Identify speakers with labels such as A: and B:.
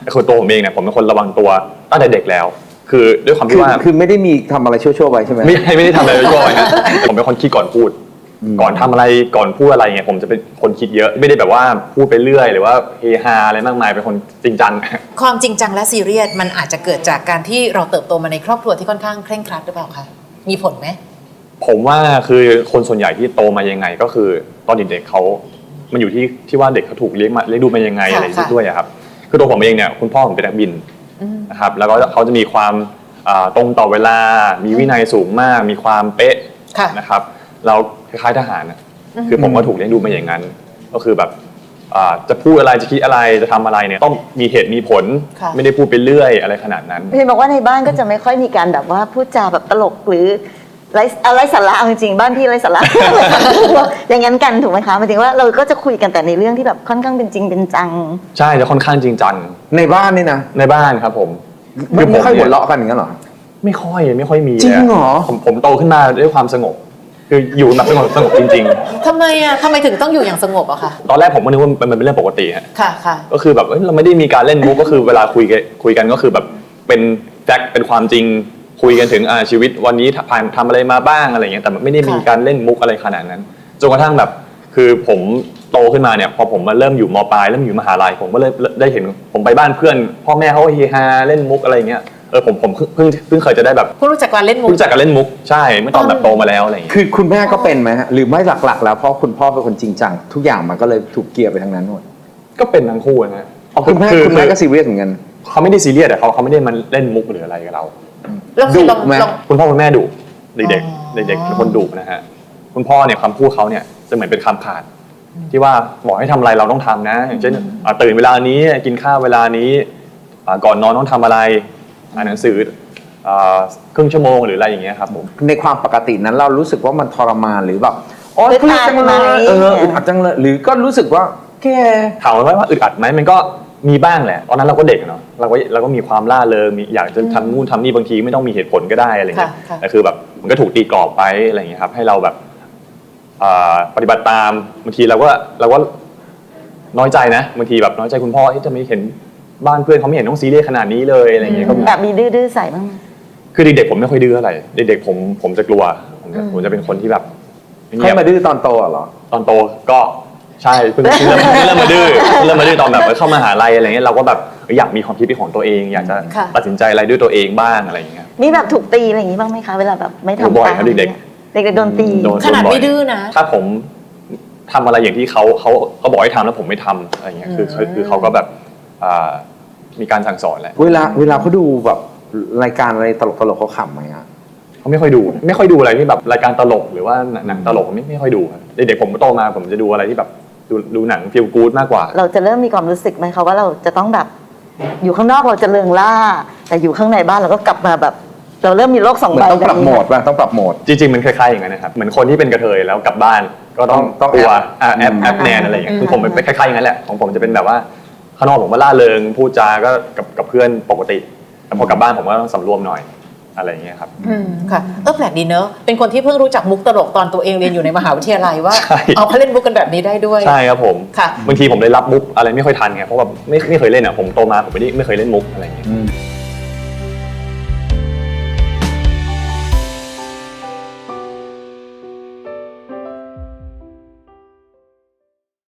A: คือตัวผมเองเนี่ยผมเป็นคนระวังตัวตั้งแต่เด็กแล้วคือด้วยความที่ว่า
B: คือไม่ได้มีทำอะไรชั่วๆไปใช่ไหม
A: ไม่ได้ทำอะไรชั่วๆไปนะผมเป็นคนคิดก่อนพูดก่อนทำอะไรก่อนพูดอะไรเงี้ยผมจะเป็นคนคิดเยอะไม่ได้แบบว่าพูดไปเรื่อยหรือว่าเฮฮาอะไรมากมายเป็นคนจริงจัง
C: ความจริงจังและซีเรียสมันอาจจะเกิดจากการที่เราเติบโตมาในครอบครัวที่ค่อนข้างเคร่งครัดหรือเปล่าคะมีผลไหม
A: ผมว่าคือคนส่วนใหญ่ที่โตมายังไงก็คือตอนเด็กๆเขามันอยู่ที่ว่าเด็กเขาถูกเลี้ยงดูมายังไงอะไรด้วยครับคือตัวผมเองเนี่ยคุณพ่อผมเป็นนักบินนะครับแล้วก็เขาจะมีความตรงต่อเวลามีวินัยสูงมากมีความเป๊ะนะครับเราคล้ายๆทหารนะคือผมก็ถูกเลี้ยงดูมาอย่างนั้นก็คือแบบจะพูดอะไรจะคิดอะไรจะทำอะไรเนี่ยต้องมีเหตุมีผลไม่ได้พูดไปเรื่อยอะไรขนาดนั้น
D: เห็นบอกว่าในบ้านก็จะไม่ค่อยมีการแบบว่าพูดจาแบบตลกหรือไร้สาระจริงๆบ้านพี่ไร้สาระอย่างนั้นกันถูกไหมคะหมายถึงว่าเราก็จะคุยกันแต่ในเรื่องที่แบบค่อนข้างเป็นจริงเป็นจัง
A: ใช่จะค่อนข้างจริงจัง
B: ในบ้านนี่นะ
A: ในบ้านครับผม
B: ไม่ค่อยหัวเราะกันอย่างนั้นหรอ
A: ไม่ค่อยมี
B: จริงเหรอ
A: ผมโตขึ้นมาด้วยความสงบคืออยู่แบบสงบจริง
C: ๆทำไมถึงต้องอยู่อย่างสงบอะคะ
A: ตอนแรกผมก็นึกว่ามันเป็นเรื่องปกติฮะ
C: ค่ะ
A: ก็คือแบบเราไม่ได้มีการเล่นมุกก็คือเวลาคุยกันก็คือแบบเป็นแฟกต์เป็นความจริงคุยกันถึงชีวิตวันนี้ผ่านทำอะไรมาบ้างอะไรเงี้ยแต่ไม่ได้มีการเล่นมุกอะไรขนาดนั้นจนกระทั่งแบบคือผมโตขึ้นมาเนี่ยพอผมมาเริ่มอยู่ม.ปลายเริ่มอยู่มหาลัยผมก็เลยได้เห็นผมไปบ้านเพื่อนพ่อแม่เขาเฮฮาเล่นมุกอะไรเงี้ยผมเพิ่งเคยจะได้แบบ
C: รู้จักการเล่นมุ
A: กใช่เมื่อตอนแบบโตมาแล้วอะไรอย่างเงี้ย
B: คือคุณแม่ก็เป็นไหมหรือไม่หลักๆแล้วเพราะคุณพ่อเป็นคนจริงจังทุกอย่างมันก็เลยถูกเกียร์ไปทางนั้นหมด
A: ก็เป็นทั้งคู่นะ
B: คุณแม่ก็ซีเรียสเหมือนกัน
A: เขาไม่ได้ซีเรียสแต่เขาไม่ได้มาเล่นมุกหรืออะไรกับเรา
B: ดุไหม
A: คุณพ่อคุณแม่ดุเด็กเป็นคนดุนะฮะคุณพ่อเนี่ยคำพูดเขาเนี่ยจะเหมือนเป็นคำขาดที่ว่าบอกให้ทำอะไรเราต้องทำนะอย่างเช่นตื่นเวลานี้กินข้าวเวลานี้ก่อนนอนต้องทำอะไรอ่านหนังสือครึ่งชั่วโมงหรืออะไรอย่างเงี้ยครับผม
B: ในความปกตินั้นเรารู้สึกว่ามันทรมานหรือแบบโอ๊ยอึดอัดจังเลยอึดอัดจังเลยหรือก็รู้สึกว่าแค่
A: ถามว่าอึดอัดไหมมันก็มีบ้างแหละตอนนั้นเราก็เด็กเนาะเราก็มีความล่าเริงอยากจะทำนู่นทำนี่บางทีไม่ต้องมีเหตุผลก็ได้อะไรเงี้ยแต่คือแบบมันก็ถูกตีกรอบไปอะไรเงี้ยครับให้เราแบบปฏิบัติตามบางทีเราก็น้อยใจนะบางทีแบบน้อยใจคุณพ่อที่จะไม่เห็นบ้านเพื่อนเขาไม่เห็นต้องซีเรียสขนาดนี้เลยอะไรเงี้ย
D: แบบมีดื้อใส่บ้าง
A: คือเด็กๆผมไม่ค่อยดื้ออะไรเด็กๆผมจะกลัวผมจะเป็นคนที่แบบ
B: ให้มาดื้อตอนโตเหรอ
A: ตอนโตก็ใช่เพิ่งเริ่มมาดื้อตอนแบบเข้ามหาลัยอะไรเงี้ยเราก็แบบอยากมีความคิดเป็นของตัวเองอยากจะตัดสินใจอะไรด้วยตัวเองบ้างอะไรอย่างเงี้ย
D: มีแบบถูกตีอะไรอย่างงี้บ้างไหมคะเวลาแบบไม่ทำ
A: บ่อยครับเด็ก
D: โดนตี
C: ขนาดไม่ดื้อนะ
A: ถ้าผมทำอะไรอย่างที่เขาบอกให้ทำแล้วผมไม่ทำอะไรเงี้ยคือเขาก็แบบมีการสั่งสอนแหละ
B: เวลาเขาดูแบบรายการอะไรตลกเขาขำไหมอ่ะ
A: เขาไม่ค่อยดูอะไรที่แบบรายการตลกหรือว่าหนังตลกไม่ค่อยดูเด็กๆผมโตมาผมจะดูอะไรที่แบบดูหนังฟีลกู๊ดมากกว่า
D: เราจะเริ่มมีความรู้สึกไหมคะว่าเราจะต้องแบบอยู่ข้างนอกเราจะเริงร่าแต่อยู่ข้างในบ้านเราก็กลับมาแบบเราเริ่มมีโลกสองใบ
B: ต้องปรับโหมดป่ะต้องปรับโหมด
A: จริงๆมันคล้ายๆอย่างนั้นนะครับเหมือนคนที่เป็นกระเทยแล้วกลับบ้านก็ต้องกลัวแอปแนนอะไรอย่างเงี้ยคือผมเป็นคล้ายๆอย่างนั้นแหละของผมจะเป็นแบบว่าข้างนอกผมก็ล่าเริงพูดจาก็กับเพื่อนปกติแต่พอกลับบ้านผมก็ต้องสำรวมหน่อยอะไรอย่างเงี้ยครับ
C: ค่ะแปลกดีเนอะเป็นคนที่เพิ่งรู้จักมุกตลกตอนตัวเองเรียนอยู่ในมหาวิทยาลัยว่าเอาเขาเล่นมุกกันแบบนี้ได้ด้วย
A: ใช่ครับผม
C: ค่ะ
A: บางทีผมเลยรับมุกอะไรไม่ค่อยทันไงเพราะว่าไม่เคยเล่นอ่ะผมโตมาผมไม่เคยเล่นมุกอะไรอย่างเงี้ย